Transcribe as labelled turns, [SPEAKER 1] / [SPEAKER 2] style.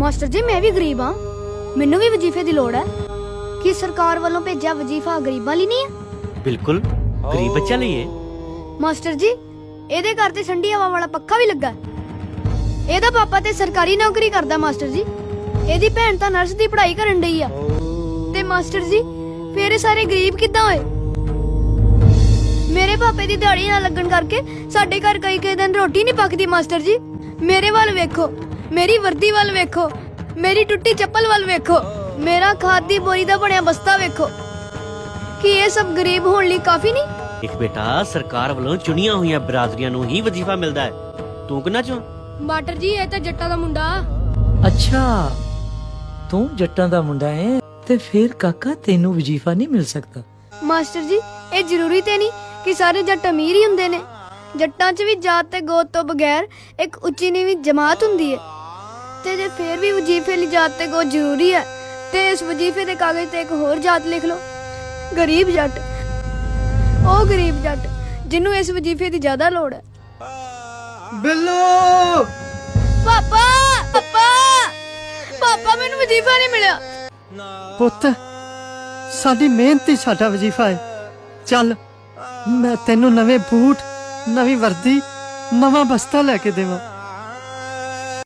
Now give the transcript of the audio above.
[SPEAKER 1] Master ਜੀ ਮੈਂ ਵੀ ਗਰੀਬ ਹਾਂ, ਮੈਨੂੰ ਵੀ ਵਜ਼ੀਫੇ ਦੀ ਲੋੜ ਹੈ। ਕੀ ਸਰਕਾਰ ਵੱਲੋਂ ਭੇਜਿਆ ਵਜ਼ੀਫਾ ਗਰੀਬਾਂ ਲਈ ਨਹੀਂ ਹੈ?
[SPEAKER 2] ਬਿਲਕੁਲ ਗਰੀਬ ਬੱਚਿਆਂ ਲਈ ਹੈ।
[SPEAKER 1] ਮਾਸਟਰ ਜੀ ਇਹਦੇ ਘਰ ਤੇ ਠੰਡੀ ਹਵਾ ਵਾਲਾ ਪੱਖਾ ਵੀ ਲੱਗਾ ਹੈ। ਇਹਦਾ ਪਾਪਾ ਤੇ ਸਰਕਾਰੀ ਨੌਕਰੀ ਕਰਦਾ ਮਾਸਟਰ ਜੀ। ਇਹਦੀ ਭੈਣ ਤਾਂ ਨਰਸ ਦੀ ਪੜ੍ਹਾਈ ਕਰਨ ਡਈ ਆ। ਤੇ ਮਾਸਟਰ ਜੀ ਫੇਰ ਇਹ ਸਾਰੇ ਗਰੀਬ ਕਿੱਦਾਂ ਹੋਏ? ਮੇਰੇ ਪਾਪੇ ਦੀ ਦਿਹਾੜੀ ਨਾ ਲੱਗਣ ਕਰਕੇ ਸਾਡੇ ਘਰ ਕਈ ਦਿਨ ਰੋਟੀ ਨਹੀਂ ਪੱਕਦੀ। ਮਾਸਟਰ ਜੀ ਮੇਰੇ ਵੱਲ ਵੇਖੋ, ਮੇਰੀ ਵਰਦੀ ਵੱਲ ਵੇਖੋ, ਮੇਰੀ ਟੁੱਟੀ ਚੱਪਲ ਵੱਲ ਵੇਖੋ, ਮੇਰਾ ਖਾਦ ਦੀ ਬੋਰੀ ਦਾ ਬਣਿਆ ਬਸਤਾ ਵੇਖੋ। ਕੀ ਇਹ ਸਭ ਗਰੀਬ ਹੋਣ ਲਈ ਕਾਫੀ ਨਹੀਂ?
[SPEAKER 2] ਇੱਕ ਬੇਟਾ ਸਰਕਾਰ ਵੱਲੋਂ ਚੁਣੀਆਂ ਹੋਈਆਂ ਬਰਾਦਰੀਆਂ ਨੂੰ ਹੀ ਵਜ਼ੀਫਾ ਮਿਲਦਾ ਹੈ। ਤੂੰ ਕਿੰਨਾ ਚੋਂ?
[SPEAKER 1] ਮਾਸਟਰ ਜੀ ਇਹ ਤਾਂ ਜੱਟਾਂ ਦਾ ਮੁੰਡਾ।
[SPEAKER 3] ਅੱਛਾ ਤੂੰ ਜੱਟਾਂ ਦਾ ਮੁੰਡਾ ਹੈ ਤੇ ਫਿਰ ਕਾਕਾ ਤੈਨੂੰ ਵਜ਼ੀਫਾ ਨਹੀਂ ਮਿਲ ਸਕਦਾ।
[SPEAKER 1] ਮਾਸਟਰ ਜੀ ਇਹ ਜ਼ਰੂਰੀ ਤੇ ਨਹੀਂ ਕਿ ਸਾਰੇ ਜੱਟ ਅਮੀਰ ਹੀ ਹੁੰਦੇ ਨੇ। ਜੱਟਾਂ 'ਚ ਵੀ ਜਾਤ ਤੇ ਗੋਤ ਤੋਂ ਬਗੈਰ ਇੱਕ ਉੱਚੀ ਨੀਵੀਂ ਜਮਾਤ ਹੁੰਦੀ ਹੈ। ਤੇ ਜੇ ਫੇਰ ਵੀ ਵਜ਼ੀਫੇ ਲਈ ਜਾਤ ਤੇ ਗੋਤ ਜ਼ਰੂਰੀ ਹੈ ਤੇ ਇਸ ਵਜ਼ੀਫੇ ਦੇ ਕਾਗਜ਼ ਤੇ ਇੱਕ ਹੋਰ ਜਾਤ ਲਿਖ ਲਓ, ਗਰੀਬ ਜੱਟ। ਉਹ ਗਰੀਬ ਜੱਟ ਜਿਹਨੂੰ ਇਸ ਵਜ਼ੀਫੇ ਦੀ ਜ਼ਿਆਦਾ ਲੋੜ ਹੈ।
[SPEAKER 4] ਬਿੱਲੂ
[SPEAKER 1] ਪਾਪਾ ਪਾਪਾ ਪਾਪਾ ਮੈਨੂੰ ਵਜ਼ੀਫਾ ਨਹੀਂ ਮਿਲਿਆ।
[SPEAKER 4] ਪੁੱਤ ਸਾਡੀ ਮਿਹਨਤ ਹੀ ਸਾਡਾ ਵਜ਼ੀਫਾ ਹੈ। ਚੱਲ ਮੈਂ ਤੈਨੂੰ ਨਵੇਂ ਬੂਟ, ਨਵੀਂ ਵਰਦੀ, ਨਵਾਂ ਬਸਤਾ ਲੈ ਕੇ ਦੇਵਾਂ।